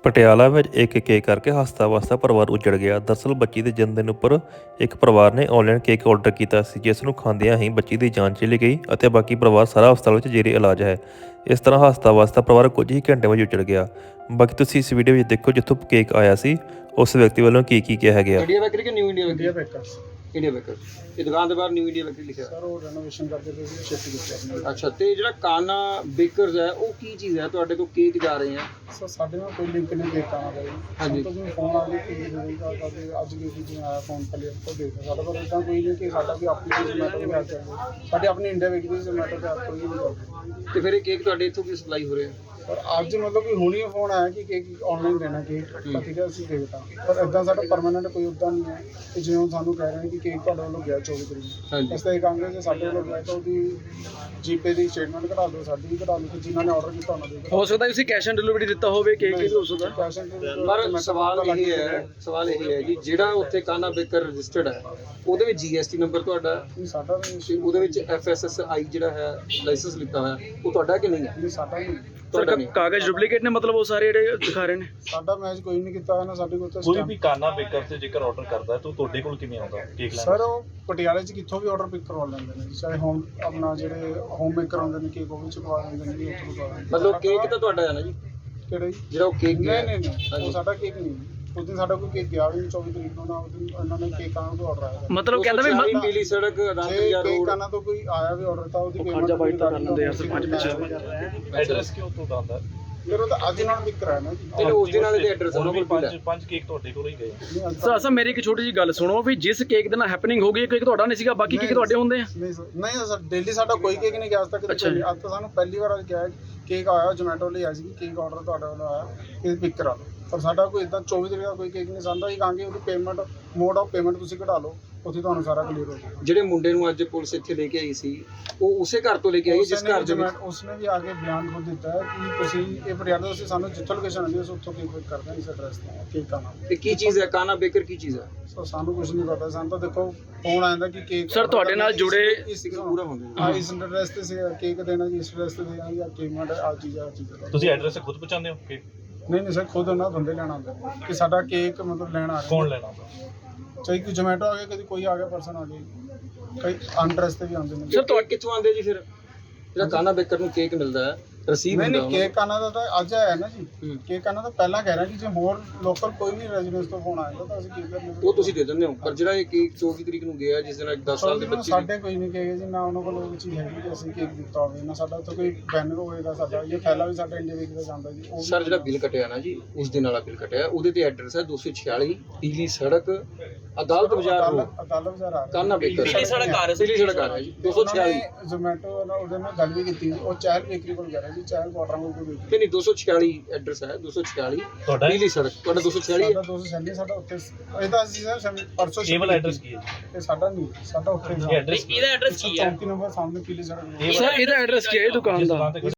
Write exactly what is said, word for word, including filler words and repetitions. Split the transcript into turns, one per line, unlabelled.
ਪਟਿਆਲਾ ਵਿੱਚ ਇੱਕ ਕੇਕ ਕਰਕੇ ਹੱਸਦਾ ਵਸਦਾ ਪਰਿਵਾਰ ਉੱਜੜ ਗਿਆ। ਦਰਅਸਲ ਬੱਚੀ ਦੇ ਜਨਮਦਿਨ ਉੱਪਰ ਇੱਕ ਪਰਿਵਾਰ ਨੇ ਆਨਲਾਈਨ ਕੇਕ ਆਰਡਰ ਕੀਤਾ ਸੀ, ਜਿਸ ਨੂੰ ਖਾਂਦਿਆਂ ਹੀ ਬੱਚੀ ਦੀ ਜਾਨ ਚਲੀ ਗਈ ਅਤੇ ਬਾਕੀ ਪਰਿਵਾਰ ਸਾਰਾ ਹਸਪਤਾਲ ਵਿੱਚ ਜੇਰੇ ਇਲਾਜ ਹੈ। ਇਸ ਤਰ੍ਹਾਂ ਹੱਸਦਾ ਵਸਦਾ ਪਰਿਵਾਰ ਕੁਝ ਹੀ ਘੰਟੇ ਵਿੱਚ ਉੱਜੜ ਗਿਆ। ਬਾਕੀ ਤੁਸੀਂ ਇਸ ਵੀਡੀਓ ਵਿੱਚ ਦੇਖੋ ਜਿੱਥੋਂ ਕੇਕ ਆਇਆ ਸੀ ਉਸ ਵਿਅਕਤੀ ਵੱਲੋਂ ਕੀ ਕੀ ਕਿਹਾ ਗਿਆ।
इंडिया बेकरी के new India bakery
India bakers
India baker ये दुकान के बाहर न्यू इंडिया बेकरी लिखा
ਸਰ ਉਹ ਰੈਨੋਵੇਸ਼ਨ ਕਰਦੇ ਪਏ ਸੀ ਸ਼ਿਫਟ ਕੀਤਾ ਆਪਣੇ
अच्छा तो ਜਿਹੜਾ ਕਾਨਾ ਬੇਕਰਸ ਹੈ ਉਹ ਕੀ ਚੀਜ਼ ਹੈ ਤੁਹਾਡੇ ਤੋਂ ਕੇਕ ਜਾ ਰਹੇ ਆ
ਸਰ ਸਾਡੇ ਨਾਲ ਕੋਈ ਲਿੰਕ ਨਹੀਂ ਦੇਤਾ ਨਾ ਬਈ
ਹਾਂਜੀ।
ਸਾਨੂੰ ਤਾਂ ਫੋਨ ਆ ਗਿਆ ਕਿ ਮੇਰੀ ਗੱਲ ਕਰਦੇ ਅੱਜ ਵੀ ਜਿਵੇਂ ਆਇਆ ਫੋਨ ਪਲੇ ਤੋਂ ਦੇਖਦਾ ਸਾਡਾ ਪਰ ਇਦਾਂ ਕੋਈ ਨਹੀਂ ਕਿ ਸਾਡਾ ਵੀ ਆਪਣੀ ਜ਼ੋਮੈਟੋ ਦੇ ਹੱਥ ਚੱਲਦਾ ਸਾਡੇ ਆਪਣੀ ਇੰਡੀਆ ਵਿੱਚ ਵੀ ਜ਼ੋਮੈਟੋ ਦੇ ਹੱਥ ਕੋਈ ਨਹੀਂ ਚੱਲਦਾ
ਤੇ ਫਿਰ ਇਹ ਕੇਕ ਤੁਹਾਡੇ ਇੱਥੋਂ ਵੀ ਸਪਲਾਈ ਹੋ ਰਿਹਾ
ਪਰ ਅੱਜ ਮਤਲਬ ਕਿ ਹੁਣੀ ਫੋਨ ਆਇਆ ਕਿ ਕੇਕ ਆਨਲਾਈਨ ਦੇਣਾ ਕੇਕ ਤਾਂ ਠੀਕ ਹੈ ਅਸੀਂ ਦੇਖਦਾ ਪਰ ਇਦਾਂ ਸਾਡਾ ਪਰਮਾਨੈਂਟ ਕੋਈ ਉਦਾਂ ਨਹੀਂ ਹੈ ਕਿ ਜਿਵੇਂ ਸਾਨੂੰ ਕਹਿ ਰਹੇ ਨੇ ਕਿ ਕੇਕ ਤੁਹਾਡੇ ਵੱਲੋਂ ਗਿਆ ਚੌਵੀ ਤਰੀਕ
ਹਾਂਜੀ।
ਇਸ ਤਰ੍ਹਾਂ ਕਹਾਂਗੇ ਜੇ ਸਾਡੇ ਵੱਲੋਂ ਗਿਆ ਤਾਂ ਉਹਦੀ ਜੀਪੇ ਦੀ ਸਟੇਟਮੈਂਟ ਕਢਾ ਦਿਓ ਸਾਡੀ ਵੀ ਕਢਾ ਦਿਓ ਕਿ ਜਿਨ੍ਹਾਂ ਨੇ ਆਰਡਰ ਕੀਤਾ ਉਹਨਾਂ ਦੇ
ਹੋ ਸਕਦਾ ਤੁਸੀਂ ਕੈਸ਼ ਔਨ ਡਿਲੀਵਰੀ ਦਿੱਤਾ ਹੋਵੇ ਕੇਕ ਵੀ ਹੋ ਸਕਦਾ।
ਕੈਸ਼ ਐਂਡ
ਪਰ ਸਵਾਲ ਇਹ ਹੈ ਸਵਾਲ ਇਹ ਹੈ ਜੀ ਜਿਹੜਾ ਉੱਥੇ ਕਾਨਾ ਬੇਕਰ ਰਜਿਸਟਰਡ ਹੈ ਉਹਦੇ ਵਿੱਚ ਜੀਐਸਟੀ ਨੰਬਰ ਤੁਹਾਡਾ
ਨਹੀਂ ਸਾਡਾ ਵੀ
ਤੇ ਉਹਦੇ ਵਿੱਚ ਐਫਐਸਐਸਆਈ ਜਿਹੜਾ ਹੈ ਲਾਇਸੈਂਸ ਲਿਖਾ ਹੋਇਆ ਉਹ ਤੁਹਾਡਾ ਕਿ ਨਹੀਂ ਹੈ
ਨਹੀਂ ਸਾਡਾ ਨਹੀਂ
ਤੁਹਾਡਾ ਨਹੀਂ
ਕਾਗਜ਼ ਡੁਪਲੀਕੇਟ ਨੇ ਮਤਲਬ ਉਹ ਸਾਰੇ ਜਿਹੜੇ ਦਿਖਾ ਰਹੇ ਨੇ।
ਸਾਡਾ ਮੈਚ ਕੋਈ ਨਹੀਂ ਕੀਤਾ ਨਾ ਸਾਡੇ ਕੋਲ ਤਾਂ
ਕੋਈ ਵੀ ਕਾਨਾ ਬੇਕਰ ਤੇ ਜੇਕਰ ਆਰਡਰ ਕਰਦਾ ਹੈ ਤਾਂ ਤੁਹਾਡੇ ਕੋਲ ਕਿਵੇਂ ਆਉਂਦਾ ਕੇਕ ਲੈਣ?
ਸਰ ਉਹ ਪਟਿਆਲੇ 'ਚ ਕਿੱਥੋਂ ਵੀ ਆਰਡਰ ਪਿਕ ਕਰਵਾ ਲੈਂਦੇ ਨੇ ਜੀ, ਚਾਹੇ ਹੋਮ ਆਪਣਾ ਜਿਹੜੇ ਹੋਮ ਮੇਕਰ ਆਉਂਦੇ ਨੇ ਕੇਕ ਉਹ ਵੀ ਚੁਕਵਾ ਲੈਂਦੇ ਨੇ ਜੀ, ਉੱਥੋਂ ਕਰਵਾ ਲੈਂਦੇ ਨੇ।
ਮਤਲਬ ਕੇਕ ਤਾਂ ਤੁਹਾਡਾ ਹੈ ਨਾ ਜੀ
ਕਿਹੜਾ ਜੀ?
ਜਿਹੜਾ ਉਹ ਕੇਕ
ਨਹੀਂ ਨਹੀਂ ਨਹੀਂ ਉਹ ਸਾਡਾ ਕੇਕ ਨਹੀਂ ਉਸ ਦਿਨ ਸਾਡਾ ਕੋਈ ਕੇਕ ਗਿਆ ਵੀ ਨਹੀਂ ਚੌਵੀ ਤਰੀਕ ਨੂੰ ਨਾ ਉਸ ਦਿਨ ਉਹਨਾਂ ਨੇ ਕੇਕ ਆਉਣ ਤੋਂ ਆਰਡਰ ਆਇਆ ਸੀ।
ਮਤਲਬ ਕਹਿੰਦਾ ਵੀ
ਵੀ
ਮ-
ਪੀਲੀ ਸੜਕ
ਜੇ
ਰਾਮਪੁਰੀਆ
ਕੇਕ
ਰੋਡ
ਆਣਾ ਤੋਂ ਕੋਈ ਆਇਆ ਵੀ ਆਰਡਰ ਤਾਂ ਉਹਦੀ
ਉਹ
ਪੇਮੈਂਟ
ਖਰਚਾ ਬਾਈ ਤਾਂ ਕਰ ਲੈਂਦੇ ਯਾਰ ਸਰਪੰਚ ਪਿੱਛੇ।
ਐਡਰੈਸ ਕਿਉਂ ਤੋਂ ਆਉਂਦਾ?
ਫਿਰ ਉਹ ਤਾਂ ਅੱਜ ਨਾਲ ਪਿਕ ਕਰਾਇਆ ਨਾ ਜੀ
ਤੇ ਉਸ ਦਿਨ ਵਾਲੇ ਦੇ ਐਡਰੈਸ
ਹੁਣ
ਉਹਨਾਂ
ਵੀ
ਕੋਲ
ਪੰਜ ਪੰਜ ਕੇਕ ਤੁਹਾਡੇ ਕੋਲ ਹੀ ਗਏ।
ਨਹੀਂ ਅੱਜ
ਸਰ ਅਸਾਂ ਮੇਰੀ ਇੱਕ ਛੋਟੀ ਜਿਹੀ ਗੱਲ ਸੁਣੋ ਵੀ ਜਿਸ ਕੇਕ ਦੇ ਨਾਲ ਹੈਪਨਿੰਗ ਹੋ ਗਈ ਕੇਕ ਤੁਹਾਡਾ ਨਹੀਂ ਸੀਗਾ ਬਾਕੀ ਕੇਕ ਤੁਹਾਡੇ ਹੁੰਦੇ ਆ।
ਨਹੀਂ ਸਰ ਨਹੀਂ ਸਰ ਡੇਲੀ ਸਾਡਾ ਕੋਈ ਕੇਕ ਨਹੀਂ ਗਿਆ ਅੱਜ ਤੱਕ
ਅੱਛਾ ਜੀ।
ਅੱਜ ਤਾਂ ਸਾਨੂੰ ਪਹਿਲੀ ਵਾਰ ਅੱਜ ਕਿਹਾ ਕੇਕ ਆਇਆ ਜੋਮੈਟੋ ਲਈ ਆਇਆ ਸੀ ਕੇਕ ਆਰਡਰ ਤੁਹਾਡੇ ਵੱਲੋਂ ਆਇਆ ਇਹ ਪਿਕ ਕਰਾ ਲਓ ਪਰ ਸਾਡਾ ਕੋਈ ਇਦਾਂ ਚੌਵੀ ਤਰੀਕ ਦਾ ਕੋਈ ਕੇਕ ਨਹੀਂ ਸਾਂਦਾ ਹੀ ਕਹਾਂਗੇ ਉਹਦੀ ਪੇਮੈਂਟ ਮੋਡ ਆਫ ਪੇਮੈਂਟ ਤੁਸੀਂ ਕਢਾ ਲਓ ਉੱਥੇ ਤੁਹਾਨੂੰ ਸਾਰਾ ਕਲੀਅਰ ਹੋ ਜਾਏਗਾ।
ਜਿਹੜੇ ਮੁੰਡੇ ਨੂੰ ਅੱਜ ਪੁਲਿਸ ਇੱਥੇ ਲੈ ਕੇ ਆਈ ਸੀ ਉਹ ਉਸੇ ਘਰ ਤੋਂ ਲੈ ਕੇ ਆਈ ਜਿਸ ਘਰ ਦੇ ਵਿੱਚ
ਉਸਨੇ ਵੀ ਆ ਕੇ ਬਿਆਨ ਖੁਦ ਦਿੱਤਾ ਹੈ ਕਿ ਤੁਸੀਂ ਇਹ ਪਟਿਆਲਾ ਤੋਂ ਅਸੀਂ ਸਾਨੂੰ ਜਿੱਥੋਂ ਲੋਕੇਸ਼ਨ ਆਉਂਦੀ ਹੈ ਅਸੀਂ ਉੱਥੋਂ ਕੇਕ ਪਿਕ ਕਰਦੇ ਹਾਂ ਇਸ ਐਡਰੈਸ ਤੇ ਕੇਕ ਦਾ ਨਾਮ
ਤੇ ਕੀ ਚੀਜ਼ ਹੈ ਕਾਨਾ ਬੇਕਰ ਕੀ ਚੀਜ਼ ਹੈ
ਸੋ ਸਾਨੂੰ ਕੁਝ ਨਹੀਂ ਪਤਾ ਸਾਨੂੰ ਤਾਂ ਦੇਖੋ ਫੋਨ ਆਇਆ ਕਿ ਕੇਕ
ਸਰ, ਤੁਹਾਡੇ ਨਾਲ ਜੁੜੇ-
ਇਸ
ਪੂਰਾ ਹੁੰਦਾ ਜੀ।
ਹਾਂ ਇਸ ਐਡਰੈਸ ਤੇ ਸੀ ਕੇਕ ਦੇਣਾ ਜੀ ਇਸ ਐਡਰੈਸ ਤੇ ਦੇਣਾ ਜਾਂ ਪੇਮੈਂਟ ਆ ਚੀਜ਼ ਆ ਚੀਜ਼ ਦਾ।
ਤੁਸੀਂ ਐਡਰੈਸ ਖੁਦ ਪਹੁੰਚਾਉਂਦੇ ਹੋ ਕੇਕ?
ਨਹੀਂ ਨਹੀਂ ਸਰ ਖੁਦ ਉਹਨਾਂ ਬੰਦੇ ਲੈਣ ਆਉਂਦੇ ਨੇ ਕਿ ਸਾਡਾ ਕੇਕ ਮਤਲਬ ਲੈਣ ਆ ਰਹੇ
ਕੌਣ
ਨੇ।
ਲੈਣਾ ਆਉਂਦਾ?
ਚਾਹੇ ਕੋਈ ਜੋਮੈਟੋ ਆ ਗਿਆ ਕਦੀ ਕੋਈ ਆ ਗਿਆ ਪਰਸਨ ਆ ਗਿਆ ਕਈ ਅਨਡਰੈਸ ਤੇ ਵੀ ਆਉਂਦੇ ਨੇ
ਸਰ ਤੁਹਾਡੇ ਕਿੱਥੋਂ ਆਉਂਦੇ ਜੀ ਫਿਰ ਜਿਹੜਾ ਕਾਨਾ ਬੇਕਰ ਨੂੰ ਕੇਕ ਮਿਲਦਾ ਹੈ ਰਸੀਦ
ਨਹੀਂ
ਹੁੰਦਾ
ਨਹੀਂ ਕੇਕ ਆਣਾ ਦਾ ਤਾਂ ਅੱਜ ਆਇਆ ਨਾ ਜੀ
ਹੂੰ।
ਕੇਕ ਆਣਾ ਤਾਂ ਪਹਿਲਾਂ ਕਹਿ ਰਿਹਾ ਕਿ ਜੇ ਹੋਰ ਲੋਕਲ ਕੋਈ ਵੀ ਰੈਜ਼ੀਡੈਂਸ ਤੋਂ ਫੋਨ ਆਏਗਾ ਤਾਂ ਅਸੀਂ ਕੇਕ ਲੈਣੇ
ਉਹ ਤੁਸੀਂ ਦੇ ਦਿੰਦੇ ਹੋ ਪਰ ਜਿਹੜਾ ਇਹ ਕੇਕ ਚੌਵੀ ਤਰੀਕ ਨੂੰ ਗਿਆ ਜਿਸ ਦਿਨ ਦਸ ਸਾਲ ਦੇ ਬੱਚੇ ਦੀ-
ਸਾਡੇ ਕੋਈ ਨਹੀਂ ਕਹੇਗਾ ਜੀ ਨਾ ਉਹਨਾਂ ਕੋਲ ਉਹ ਚੀਜ਼ ਹੈਗੀ ਕਿ ਅਸੀਂ ਕੇਕ ਦਿੱਤਾ ਹੋਵੇ ਨਾ ਸਾਡਾ ਉੱਥੇ ਕੋਈ ਬੈਨਰ ਹੋਏਗਾ ਸਾਡਾ ਇਹ ਥੈਲਾ ਵੀ ਸਾਡਾ ਇੰਡੀਆ ਵੇਕ ਦਾ ਜਾਂਦਾ ਜੀ ਉਹ ਵੀ-
ਸਰ ਜਿਹੜਾ ਬਿੱਲ ਕਟਿਆ ਨਾ ਜੀ ਉਸ ਦਿਨ ਵਾਲਾ ਬਿੱਲ ਕਟਿਆ ਉਹਦੇ ਤੇ ਐਡਰੈਸ ਹੈ ਦੋ ਸੌ ਛਿਆਲੀ ਪੀਲੀ ਸੜਕ ਅਦਾਲਤ ਬਾਜ਼ਾਰ ਰੋਡ
ਅਦਾਲਤ ਅਦਾਲਤ ਬਾਜ਼ਾਰ ਆ ਰਿਹਾ
ਕਾਨਾ ਬੇਕਰ
ਪੀਲੀ ਸੜਕ ਆ ਰਹੀ ਸੀ।
ਪੀਲੀ ਸੜਕ ਆ ਰਿਹਾ ਜੀ ਦੋ ਸੌ ਛਿਆਲੀ
ਜ਼ੋਮੈਟੋ ਨਾਲ ਉਹਦੇ ਨਾਲ ਗੱਲ ਵੀ ਕੀਤੀ ਉਹ ਚਾਹਲ ਬੇਕਰੀ ਕੋਲ ਗਿਆ ਰਿਹਾ ਜੀ ਚਾਹਲ ਕੁਆਟਰਾਂ ਕੋਲ ਕੋਈ ਬੇਕਰੀ
ਨਹੀਂ ਨਹੀਂ ਦੋ ਸੌ ਛਿਆਲੀ ਐਡਰੈਸ ਹੈ ਦੋ ਸੌ ਛਿਆਲੀ
ਤੁਹਾਡਾ
ਪੀਲੀ ਸੜਕ ਤੁਹਾਡਾ ਦੋ ਸੌ ਛਿਆਲੀ
ਸਾਡਾ ਦੋ ਸੌ ਛਿਆਲੀ ਸਾਡਾ ਉੱਥੇ ਇਹਦਾ ਅਸੀਂ ਸਰ ਸ਼ਮ- ਪਰਸੋਂ
ਕੇਵਲ
shift
ਐਡਰੈਸ
ਕੀਤੀ।
ਕੀ ਹੈ?
ਇਹ ਸਾਡਾ ਨਹੀਂ ਸਾਡਾ ਉੱਥੇ
ਇਹ ਐਡਰੈਸ
ਇਹਦਾ ਐਡਰੈਸ ਕੀ ਹੈ?
ਚੌਂਤੀ ਨੰਬਰ ਸਾਹਮਣੇ ਪੀਲੀ ਸੜਕ
ਸਰ ਇਹਦਾ ਐਡਰੈਸ ਕੀ ਹੈ ਇਹ ਦੁਕਾਨ
ਜਿਸ
ਦਾ?
ਦੁਕਾਨ ਤੇ